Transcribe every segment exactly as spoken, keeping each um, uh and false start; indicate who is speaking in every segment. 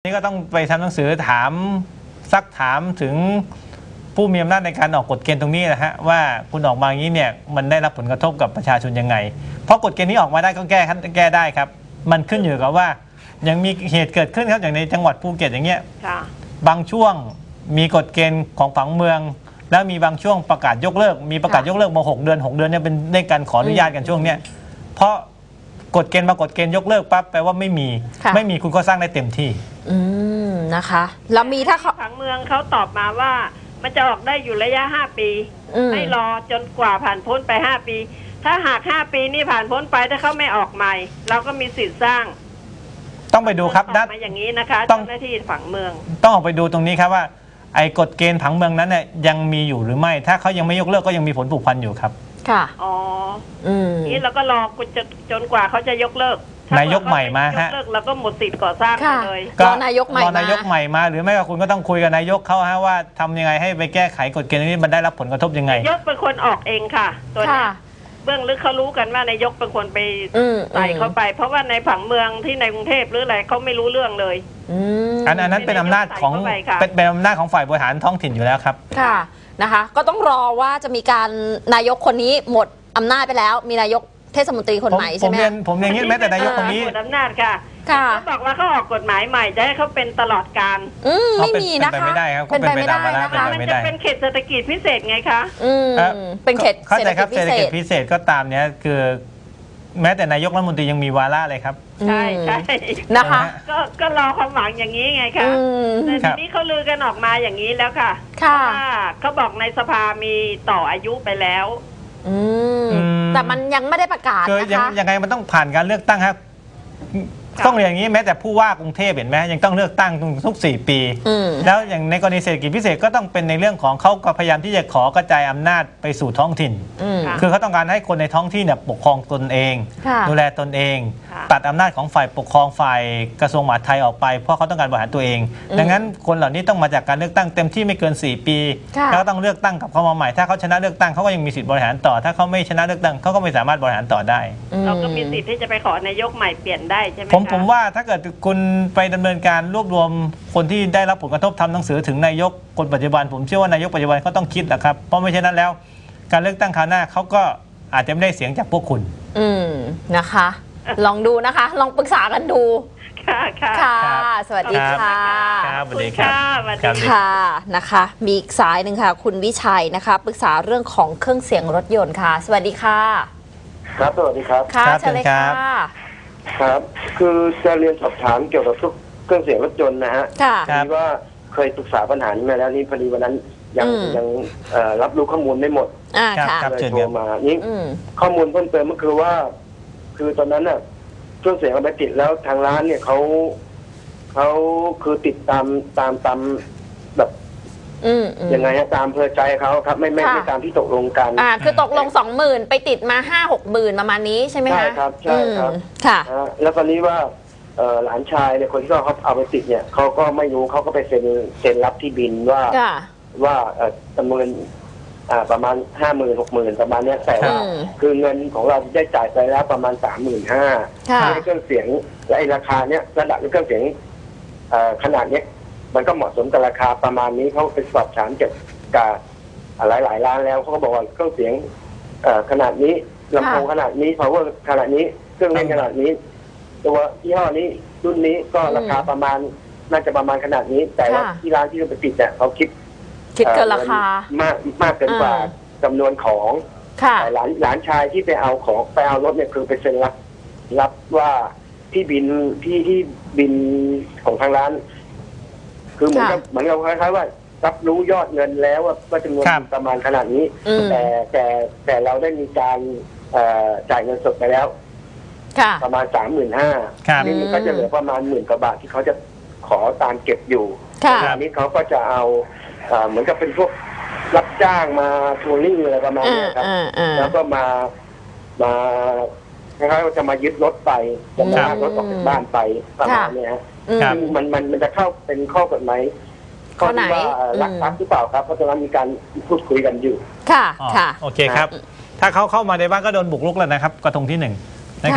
Speaker 1: นี่ก็ต้องไปทำหนังสือถามซักถามถึงผู้มีอำนาจในการออกกฎเกณฑ์ตรงนี้นะฮะว่าคุณออกมาอย่างนี้เนี่ยมันได้รับผลกระทบกับประชาชนยังไงเพราะกฎเกณฑ์นี้ออกมาได้ก็แก้แก้ได้ครับมันขึ้นอยู่กับว่ายังมีเหตุเกิดขึ้นครับอย่างในจังหวัดภูเก็ตอย่างเงี้ยบางช่วงมีกฎเกณฑ์ของผังเมืองแล้วมีบางช่วงประกาศยกเลิกมีประกาศยกเลิกมาหกเดือนหกเดือนเนี่ยเป็นในการขออนุญาตกันช่วงเนี้ยเพราะกฎเกณฑ์มากฎเกณฑ์ยกเลิกปั๊บแปลว่าไม่มีไม่มีคุณก็สร้างได้เต็มที่
Speaker 2: อืมนะคะแล้วมีถ้าเขา
Speaker 3: ผังเมืองเขาตอบมาว่ามันจะออกได้อยู่ระยะห้าปีให้รอจนกว่าผ่านพ้นไปห้าปีถ้าหากห้าปีนี่ผ่านพ้นไปถ้าเขาไม่ออกใหม่เราก็มีสิทธิ์สร้าง
Speaker 1: ต้องไปดูครับ
Speaker 3: ดัดมาอย่างนี้นะคะเจ้าหน้าที่ผังเมือง
Speaker 1: ต้องออกไปดูตรงนี้ครับว่าไอ้กฎเกณฑ์ผังเมืองนั้นเนี่ยยังมีอยู่หรือไม่ถ้าเขายังไม่ยกเลิกก็ยังมีผลผูกพันอยู่ครับ
Speaker 2: ค่ะ
Speaker 3: อ๋ออืมนี่เราก็รอจนจนกว่าเขาจะยกเลิก
Speaker 1: นายกใหม่มาฮะ
Speaker 3: ยกเลิกเราก็หมดสิทธิ์ก่อสร้างเลย
Speaker 2: รอนายกใหม่
Speaker 1: รอนายกใหม่มาหรือไม่ก็คุณก็ต้องคุยกับนายกเขาฮะว่าทำยังไงให้ไปแก้ไขกฎเกณฑ์นี้มันได้รับผลกระทบยังไง
Speaker 3: นายกเป็นคนออกเองค่ะตัวนี้เบื้องลึกเขารู้กันว่านายกเป็นคนไปใส่เข้าไปเพราะว่าในผังเมืองที่ในกรุงเทพหรืออะไรเขาไม่รู้เรื่องเลย
Speaker 1: อันนั้นเป็นอำนาจของเป็นอำนาจของฝ่ายบริหารท้องถิ่นอยู่แล้วครับ
Speaker 2: ค่ะนะคะก็ต้องรอว่าจะมีการนายกคนนี้หมดอำนาจไปแล้วมีนายกเทศมนตรีคนใหม่ใช่ไหม
Speaker 1: ผมเรียนผมเรียนงี้แม้แต่นายกคนนี้
Speaker 3: หมดอำนาจค่ะเขาบอกว่าเขาออกกฎหมายใหม่จะให้เขาเป็นตลอดกาล
Speaker 2: อืมไม่มีนะคะ
Speaker 1: เป็นไปไม่ได้ครับ
Speaker 2: เป็นไปไม่ได้นะคะ
Speaker 3: มันจะเป็นเขตเศรษฐกิจพิเศษไงคะ
Speaker 2: อืมเป็นเขต
Speaker 1: เข้าใจครับเศรษฐกิจพิเศษก็ตามเนี้ยคือแม้แต่นายกรัฐมนตรียังมีวาระเลยครับ
Speaker 3: ใช่ใช่
Speaker 2: นะคะ
Speaker 3: ก็ก็รอความหวังอย่างนี้ไงคะแต่ทีนี้เขาลือกันออกมาอย่างนี้แล้วค่ะ
Speaker 2: ค่ะ
Speaker 3: เขาบอกในสภามีต่ออายุไปแล้ว
Speaker 2: อืมแต่มันยังไม่ได้ประกาศนะคะ
Speaker 1: ยังไงมันต้องผ่านการเลือกตั้งครับต้องอย่างนี้แม้แต่ผู้ว่ากรุงเทพเห็นไหมยังต้องเลือกตั้งทุกสี่ปีแล้วอย่างในกรณีเศรษฐกิจพิเศษก็ต้องเป็นในเรื่องของเขาก็พยายามที่จะขอกระจายอำนาจไปสู่ท้องถิ่นคือเขาต้องการให้คนในท้องที่เนี่ยปกครองตนเองดูแลตนเองตัดอำนาจของฝ่ายปกครองฝ่ายกระทรวงมหาดไทยออกไปเพราะเขาต้องการบริหารตัวเองดังนั้นคนเหล่านี้ต้องมาจากการเลือกตั้งเต็มที่ไม่เกินสี่ปีแล้วก็ต้องเลือกตั้งกับเขามาใหม่ถ้าเขาชนะเลือกตั้งเขาก็ยังมีสิทธิ์บริหารต่อถ้าเขาไม่ชนะเลือกตั้งเขาก็ไม่สามารถบริหารต่อได้
Speaker 3: เราก็มีสิทธิ์ที่จะไปขอนายกใหม่เปลี่ยนได้ใช่ไหม
Speaker 1: ผมผมว่าถ้าเกิดคุณไปดำเนินการรวบรวมคนที่ได้รับผลกระทบทำหนังสือถึงนายกคนปัจจุบันผมเชื่อว่านายกปัจจุบันเขาต้องคิดแหละครับเพราะไม่เช่นนั้นแล้วการเลือกตั้งคราวหน้าเขาก็อาจจะไม่ได้เสียงจากพวกคุณ
Speaker 2: อืมนะคะลองดูนะคะลองปรึกษากันดู
Speaker 3: ค่ะค่ะ
Speaker 2: สวัสดีค่ะ
Speaker 1: ครับสวัสดีค่ะ
Speaker 3: สวัสดี
Speaker 2: ค่ะนะคะมีอีกสายหนึ่งค่ะคุณวิชัยนะคะปรึกษาเรื่องของเครื่องเสียงรถยนต์ค่ะสวัสดีค่ะ
Speaker 4: ครับสวัสดีครับ
Speaker 2: ค่ะเชิญเลยค่ะ
Speaker 4: ครับคือจะเรียนสอบถามเกี่ยวกับทุกเครื่องเสียงรถยนต์นะฮะที่ว่าเคยปรึกษาปัญหานี้มาแล้วนี่พอดีวันนั้นยังยังรับรู้ข้อมูลไม่หมดเลยโทรมานี่ข้อมูลเพิ่มเติมก็คือว่าคือตอนนั้นน่ะเครื่องเสียงเอาไปติดแล้วทางร้านเนี่ยเขาเขาคือติดตามตามตามแบบยังไงฮะตามเพอใจเขาครับไม่ไม่ไม่ตามที่ตกลงกัน
Speaker 2: อ่าคือตกลงสองหมื่นไปติดมาห้าหกหมื่นประมาณนี้ใช่ไหมคะ
Speaker 4: ใช่ครับใช่ครับ
Speaker 2: ค่ะ
Speaker 4: แล้วตอนนี้ว่าหลานชายเนี่ยคนที่เขาเอาไปติดเนี่ยเขาก็ไม่รู้เขาก็ไปเซ็นเซ็นรับที่บินว่าว่าจำนวนประมาณห้าหมื่นหกหมื่นประมาณนี้แต่ว่าคือเงินของเราได้จ่ายไปแล้วประมาณสามหมื่นห้าในเครื่องเสียงและไอ้ราคาเนี้ยระดับเครื่องเสียงขนาดเนี้ยมันก็เหมาะสมกับราคาประมาณนี้เขาไปสอบถามจากกับหลายหลายร้านแล้วเขาก็บอกว่าเครื่องเสียงขนาดนี้ลำโพงขนาดนี้ power ขนาดนี้เครื่องเล่นขนาดนี้ตัวยี่ห้อนี้รุ่นนี้ก็ราคาประมาณน่าจะประมาณขนาดนี้แต่ว่าที่ร้านที่เราไปติดเนี่ยเขาคิด
Speaker 2: คิดเกินราคาม
Speaker 4: ากมากเกินกว่าจำนวนของแต่หลานหลานชายที่ไปเอาของไปเอารถเนี่ยคือไปเซ็นรับรับว่าที่บินที่ที่บินของทางร้านคือเหมือนกับเหมือนกับคล้ายๆว่ารับรู้ยอดเงินแล้วว่าจำนวนประมาณขนาดนี้แต่แต่แต่เราได้มีการจ่ายเงินสดไปแล้วประมาณสามหมื่นห้านี่มันก็จะเหลือประมาณหมื่นกว่าบาทที่เขาจะขอตามเก็บอยู่อันนี้เขาก็จะเอาเหมือนกับเป็นพวกรับจ้างมาทัวริ่งอะไรประมาณนี้ครับแล้วก็มามาคล้ายๆว่าจะมายึดรถไปจะมาลากรถออกจากบ้านไปประมาณนี้ฮะมันมันมันจะเข้าเป็นข้อกฎหมายข้อที่ว่าลักทรัพย์หรือเปล่าครับเพราะตอนนั้นมีการพูดคุยกันอยู่
Speaker 2: ค่ะค่ะ
Speaker 1: โอเคครับถ้าเขาเข้ามาในบ้านก็โดนบุกรุกแล้วนะครับกระทงที่หนึ่งนะครับ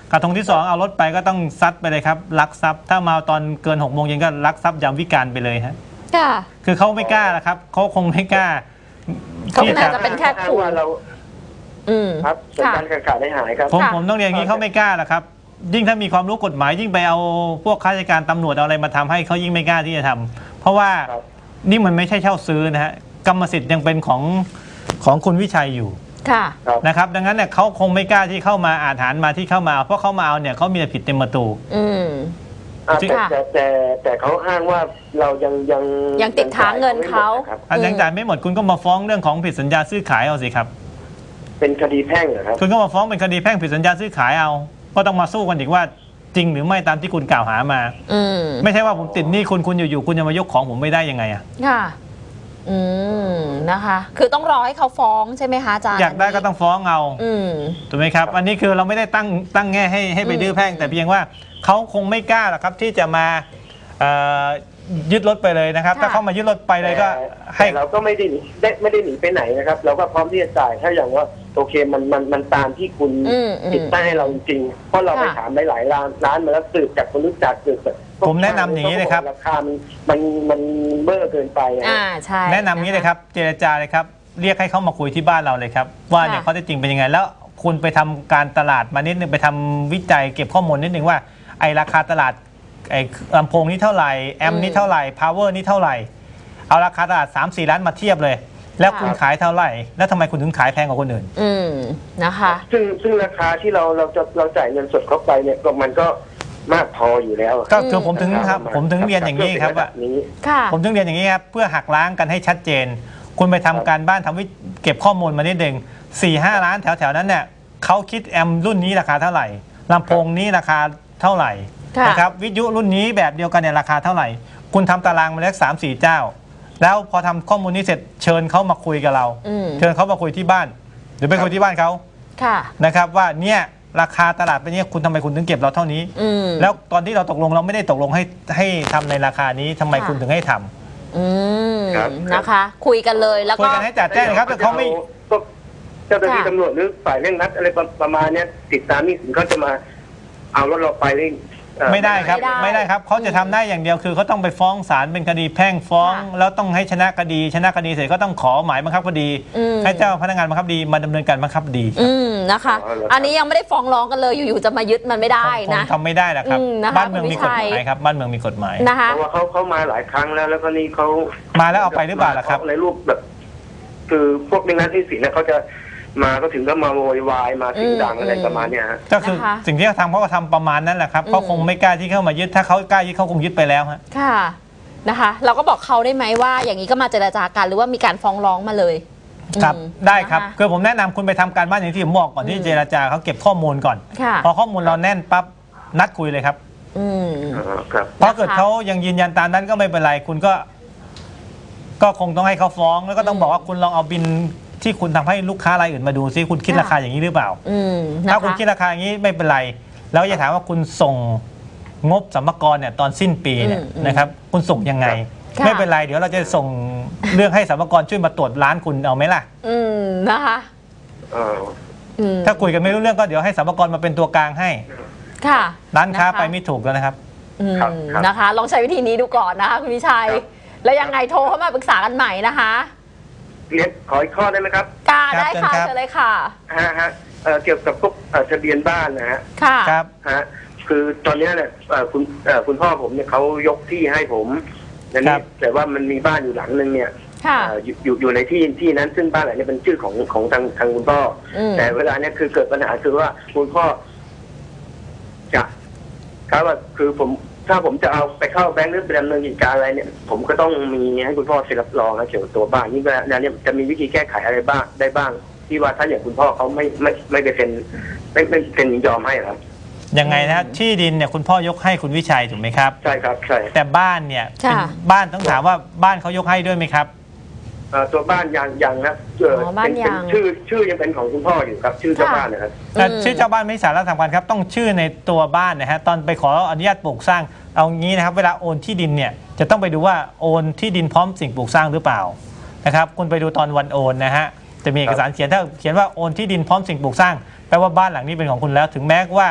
Speaker 1: กระทงที่สองเอารถไปก็ต้องซัดไปเลยครับลักทรัพย์ถ้ามาตอนเกินหกโมงเย็นก็ลักทรัพย์ยามวิกาลไปเลยฮะ
Speaker 2: ค่ะ
Speaker 1: คือเขาไม่กล้าละครับเขาคงไม่กล้า
Speaker 2: เขาน่าจะเป็นแค่ขู่
Speaker 4: เรา
Speaker 2: อืม
Speaker 4: ครับส่วนการแข่งขันได้หายครับ
Speaker 1: ผมผมต้องเรียนอย่างนี้เขาไม่กล้าละครับยิ่งถ้ามีความรู้กฎหมายยิ่งไปเอาพวกข้าราชการตำรวจเอาอะไรมาทำให้เขายิ่งไม่กล้าที่จะทำเพราะว่านี่มันไม่ใช่เช่าซื้อนะฮะกรรมสิทธิ์ยังเป็นของของคุณวิชัยอยู่
Speaker 2: ค่ะ
Speaker 1: นะครับดังนั้นเนี่ยเขาคงไม่กล้าที่เข้ามาอาถรรพ์มาที่เข้ามาเพราะเขามาเอาเนี่ยเขามีผิดเต็มประตู
Speaker 2: อืม
Speaker 4: แต่แต่แต่แต่เขาอ้างว่าเรายังยัง
Speaker 2: ยังติดค้างเงินเขา
Speaker 1: อันยังจ่ายไม่หมดคุณก็มาฟ้องเรื่องของผิดสัญญาซื้อขายเอาสิครับ
Speaker 4: เป็นคดีแพ่งเหรอครับ
Speaker 1: คุณก็มาฟ้องเป็นคดีแพ่งผิดสัญญาซื้อขายเอาก็ต้องมาสู้กันอีกว่าจริงหรือไม่ตามที่คุณกล่าวหามา
Speaker 2: อืม
Speaker 1: ไม่ใช่ว่าผมติดหนี้คุณคุณอยู่ๆคุณจะมายกของผมไม่ได้ยังไงอ่ะ
Speaker 2: ค่ะอืมนะคะคือต้องรอให้เขาฟ้องใช่ไหมคะอาจารย์
Speaker 1: อยากได้ก็ต้องฟ้องเอา
Speaker 2: อืม
Speaker 1: ถูกไหมครับอันนี้คือเราไม่ได้ตั้งตั้งแง่ให้ให้ไปดื้อแพ่งแต่เพียงว่าเขาคงไม่กล้าหรอกครับที่จะมายึดรถไปเลยนะครับถ้าเขามายึดรถไปเลยก็ให้
Speaker 4: เราก็ไม่ได้ได้ไม่ได้หนีไปไหนนะครับเราก็พร้อมที่จะจ่ายถ้าอย่างว่าโอเคมันมันมันตามที่คุณติดตั้งให้เราจริงเพราะเราไปถามหลายๆร้านร้านมาแล้วสืบจากคนรู้จักสืบ
Speaker 1: ผมแนะนำอย่างนี้เลยครับ
Speaker 4: ราคามันมันเบ้อเกินไป
Speaker 2: อ่าใช่
Speaker 1: แนะนำอย่างนี้เลยครับเจรจาเลยครับเรียกให้เขามาคุยที่บ้านเราเลยครับว่าเนี่ยเขาจะจริงเป็นยังไงแล้วคุณไปทำการตลาดมานิดนึงไปทำวิจัยเก็บข้อมูลนิดนึงว่าไอราคาตลาดไอ้ลำโพงนี้เท่าไหร่แอมนี้เท่าไหร่พาวเวอร์นี้เท่าไหร่เอาราคาตลาด สามสี่ ล้านมาเทียบเลยแล้วคุณขายเท่าไหร่แล้วทำไมคุณถึงขายแพงกว่าคนอื่น
Speaker 2: อืมนะคะ
Speaker 4: ซึ่งซึ่งราคาที่เราเราจะเราจ่ายเงินสดเข้าไปเนี่ยก็มันก็มากพออยู่แล้ว
Speaker 1: ก็คือผมถึงครับผมถึงเรียนอย่างนี้ครับว่าผมถึงเรียนอย่างนี้ครับเพื่อหักล้างกันให้ชัดเจนคุณไปทำการบ้านทำวิเก็บข้อมูลมานิดนึง สี่ห้า ล้านแถวๆนั้นเนี่ยเขาคิดแอมรุ่นนี้ราคาเท่าไหร่ลำโพงนี้ราคาเท่าไหร่นะครับวิทยุรุ่นนี้แบบเดียวกันเนี่ยราคาเท่าไหร่คุณทำตารางมาแล้วสามสี่เจ้าแล้วพอทำข้อมูลนี้เสร็จเชิญเขามาคุยกับเราเชิญเขามาคุยที่บ้านหรือไปคุยที่บ้านเขานะครับว่าเนี่ยราคาตลาดเป็นนี้คุณทำไมคุณถึงเก็บเราเท่านี้แล้วตอนที่เราตกลงเราไม่ได้ตกลงให้ให้ทำในราคานี้ทำไมคุณถึงให้ท
Speaker 2: ำนะคะคุยกันเลยแล้วก็
Speaker 1: คุยกันให้จัดแจ้งครับแต่เขาไม่
Speaker 4: เจ้าหน้าที่ตำรวจหรือฝ่ายเร่งรัดอะไรประมาณนี้ติดตามนี่ถึงเขาจะมาเอารถเราไปเร่ง
Speaker 1: ไม่ได้ครับไม่ได้ครับเขาจะทำได้อย่างเดียวคือเขาต้องไปฟ้องศาลเป็นคดีแพ่งฟ้องแล้วต้องให้ชนะคดีชนะคดีเสร็จก็ต้องขอหมายบังคับคดีให้เจ้าพนักงานบังคับคดีมาดำเนินการบังคับคดี
Speaker 2: อืมนะคะอันนี้ยังไม่ได้ฟ้องร้องกันเลยอยู่ๆจะมายึดมันไม่ได้นะ
Speaker 1: ทำไม่ได้นะครับบ้านเมืองมีกฎหมายครับบ้านเมืองมีกฎหมาย
Speaker 2: นะคะ
Speaker 4: เพราะว่าเขาเขามาหลายครั้งแล้วแล้วก็นี่เขา
Speaker 1: มาแล้วเอาไปหรือเปล่าล่ะครับ
Speaker 4: ในรูปแบบคือพวกเรื่องนั้นที่สินเนี่ยเขาจะมาก็ถึงก็มาโวยวายมาเสียงดังอะไรประมาณนี้ฮะ
Speaker 1: ก็คือสิ่งที่เขาทำเขาก็ทำประมาณนั้นแหละครับเขาคงไม่กล้าที่เข้ามายึดถ้าเขากล้ายึดเขาคงยึดไปแล้วฮะ
Speaker 2: ค่ะนะคะเราก็บอกเขาได้ไหมว่าอย่างนี้ก็มาเจรจากันหรือว่ามีการฟ้องร้องมาเลย
Speaker 1: ครับได้ครับคือผมแนะนำคุณไปทำการบ้านอย่างที่ผมบอกก่อนที่เจรจาเขาเก็บข้อมูลก่อนพอข้อมูลเราแน่นปั๊บนัดคุยเลยครับเพราะเกิดเขายังยืนยันตามนั้นก็ไม่เป็นไรคุณก็ก็คงต้องให้เขาฟ้องแล้วก็ต้องบอกว่าคุณลองเอาบินที่คุณทำให้ลูกค้ารายอื่นมาดูซิคุณคิดราคาอย่างนี้หรือเปล่าถ้าคุณคิดราคาอย่างนี้ไม่เป็นไรแล้วจะถามว่าคุณส่งงบสรรพากรเนี่ยตอนสิ้นปีเนี่ยนะครับคุณส่งยังไงไม่เป็นไรเดี๋ยวเราจะส่งเรื่องให้สรรพากรช่วยมาตรวจร้านคุณเอาไหมล่ะ
Speaker 2: อืมนะคะ
Speaker 1: ถ้าคุยกันไม่รู้เรื่องก็เดี๋ยวให้สรรพากรมาเป็นตัวกลางให้
Speaker 2: ค่ะ
Speaker 1: ร้านค้าไปไม่ถูกแล้วนะครับ
Speaker 2: นะคะลองใช้วิธีนี้ดูก่อนนะคะคุณวิชัยแล้วยังไงโทรเข้ามาปรึกษากันใหม่นะคะ
Speaker 4: เรียนขออีกข้อได้ไหมครับ
Speaker 2: ค่ะได้ค่ะเชิญเลยค่ะ
Speaker 4: ฮะฮะเกี่ยวกับพวกทะเบียนบ้านนะฮะ
Speaker 2: ค่ะ
Speaker 1: ครับ
Speaker 4: ฮะคือตอนนี้เนี่ยคุณคุณพ่อผมเนี่ยเขายกที่ให้ผมนี่แต่ว่ามันมีบ้านอยู่หลังนึงเนี่ยอยู่อยู่ในที่ที่นั้นซึ่งบ้านหลังนี้เป็นชื่อของของทางทางคุณพ่อแต่เวลาเนี้ยคือเกิดปัญหาคือว่าคุณพ่อจะครับว่าคือผมถ้าผมจะเอาไปเข้าแบงค์หรือไปดำเนินกิจการอะไรเนี่ยผมก็ต้องมีให้คุณพ่อเซ็นรับรองนะเกี่ยวกับตัวบ้านนี่ก็แล้วเนี่ยจะมีวิธีแก้ไขอะไรบ้างได้บ้างที่ว่าถ้าอย่างคุณพ่อเขาไม่ไม่ไม่ไปเซ็นไม่ไม่เซ็นยินยอมให้ครับ
Speaker 1: ยังไงนะที่ดินเนี่ยคุณพ่อยกให้คุณวิชัยถูกไหมครับ
Speaker 4: ใช่ครับใช่
Speaker 1: แต่บ้านเนี่ยเป็นบ้านต้องถามว่าบ้านเขายกให้ด้วยไหมครับ
Speaker 4: ตัวบ้านยังยังนะเป็นชื่อชื่อยังเป็นของคุณพ่ออยู่ครับชื่อเจ้าบ้านนะครับ
Speaker 1: ชื่อเจ้าบ้านไม่สาระสำคัญครับต้องชื่อในตัวบ้านนะฮะตอนไปขออนุญาตปลูกสร้างเอางี้นะครับเวลาโอนที่ดินเนี่ยจะต้องไปดูว่าโอนที่ดินพร้อมสิ่งปลูกสร้างหรือเปล่านะครับคุณไปดูตอนวันโอนนะฮะจะมีเอกสารเขียนถ้าเขียนว่าโอนที่ดินพร้อมสิ่งปลูกสร้างแปลว่าบ้านหลังนี้เป็นของคุณแล้วถึงแม้ว่า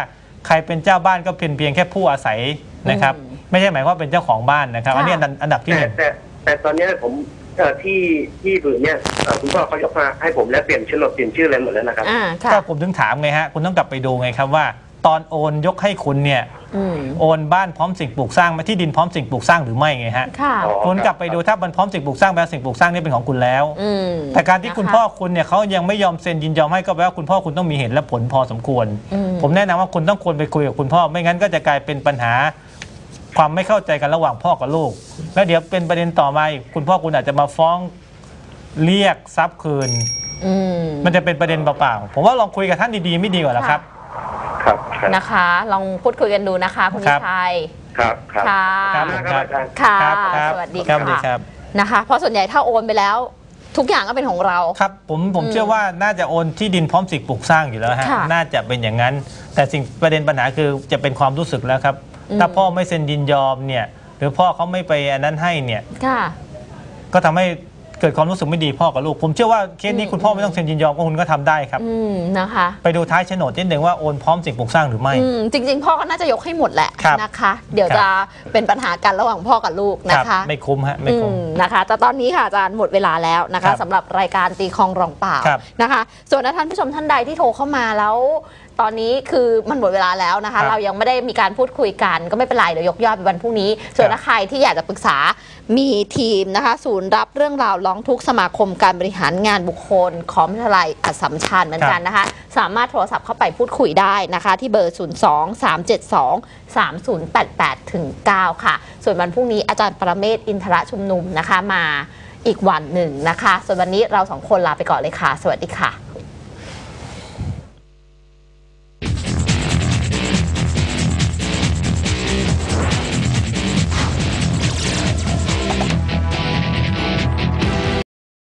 Speaker 1: ใครเป็นเจ้าบ้านก็เพียงเพียงแค่ผู้อาศัยนะครับไม่ใช่หมายความว่าเป็นเจ้าของบ้านนะครับอันนี้อันดับที่หนึ่ง
Speaker 4: แต่แต่ตอนนี้ผมที่ที่ผืนเนี่ยคุณพ่อเขายกมาให้ผมแล้วเปลี่ยนชื่อเปลี่ยนชื่ออะไรหมดแล้วนะครับ
Speaker 1: ก็ผมถึงถามไงฮะคุณต้องกลับไปดูไงครับว่าตอนโอนยกให้คุณเนี่ยโอนบ้านพร้อมสิ่งปลูกสร้างมาที่ดินพร้อมสิ่งปลูกสร้างหรือไม่ไงฮะคุณกลับไปดูถ้ามันพร้อมสิ่งปลูกสร้างแปลว่าสิ่งปลูกสร้างนี่เป็นของคุณแล้วแต่การที่คุณพ่อคุณเนี่ยเขายังไม่ยอมเซ็นยินยอมให้ก็แปลว่าคุณพ่อคุณต้องมีเหตุและผลพอสมควรผมแนะนำว่าคุณต้องควรไปคุยกับคุณพ่อไม่งั้นก็จะกลายเป็นปัญหาความไม่เข้าใจกันระหว่างพ่อกับลูกแล้วเดี๋ยวเป็นประเด็นต่อมาอีกคุณพ่อคุณอาจจะมาฟ้องเรียกทรัพย์คืนมันจะเป็นประเด็นเปล่าๆผมว่าลองคุยกับท่านดีๆไม่ดีกว่าหรอครับ
Speaker 4: ครับ
Speaker 2: นะคะลองพูดคุยกันดูนะคะคุณวิชัย
Speaker 4: ครับครับ
Speaker 2: ค่ะค่ะสวัสดีค่ะนะคะเพราะส่วนใหญ่ถ้าโอนไปแล้วทุกอย่างก็เป็นของเรา
Speaker 1: ครับผมผมเชื่อว่าน่าจะโอนที่ดินพร้อมสิ่งปลูกสร้างอยู่แล้วฮะน่าจะเป็นอย่างนั้นแต่สิ่งประเด็นปัญหาคือจะเป็นความรู้สึกแล้วครับถ้าพ่อไม่เซ็นยินยอมเนี่ยหรือพ่อเขาไม่ไปอันนั้นให้เนี่ยก็ทำให้เกิดความรู้สึกไม่ดีพ่อกับลูกผมเชื่อว่าเคสนี้คุณพ่อไม่ต้องเซ็นยินยอมก็คุณก็ทำได้ครับ
Speaker 2: นะคะ
Speaker 1: ไปดูท้ายโฉนดนิดหนึ่งว่าโอนพร้อมสิ่งปลูกสร้างหรือไม่
Speaker 2: จริงๆพ่อก็น่าจะยกให้หมดแหละนะคะเดี๋ยวจะเป็นปัญหากันระหว่างพ่อกับลูกนะคะ
Speaker 1: ไม่คุ้มฮะไม่คุ้ม
Speaker 2: นะคะแต่ตอนนี้ค่ะอาจารย์หมดเวลาแล้วนะคะสำหรับรายการตีคลองรองเปล่านะคะส่วนท่านผู้ชมท่านใดที่โทรเข้ามาแล้วตอนนี้คือมันหมดเวลาแล้วนะคะเรายังไม่ได้มีการพูดคุยกันก็ไม่เป็นไรเดี๋ยวยกยอดไปวันพรุ่งนี้ส่วนถ้าใครที่อยากจะปรึกษามีทีมนะคะศูนย์รับเรื่องราวร้องทุกข์สมาคมการบริหารงานบุคคลของวิทยาลัยอัสสัมชัญเหมือนกันนะคะสามารถโทรศัพท์เข้าไปพูดคุยได้นะคะที่เบอร์ศูนย์ สอง สาม เจ็ด สอง สาม ศูนย์ แปด แปด ถึง เก้า ค่ะส่วนวันพรุ่งนี้อาจารย์ปรเมศวร์อินทรชุมนุมนะคะมาอีกวันหนึ่งนะคะส่วนวันนี้เราสองคนลาไปก่อนเลยค่ะสวัสดีค่ะ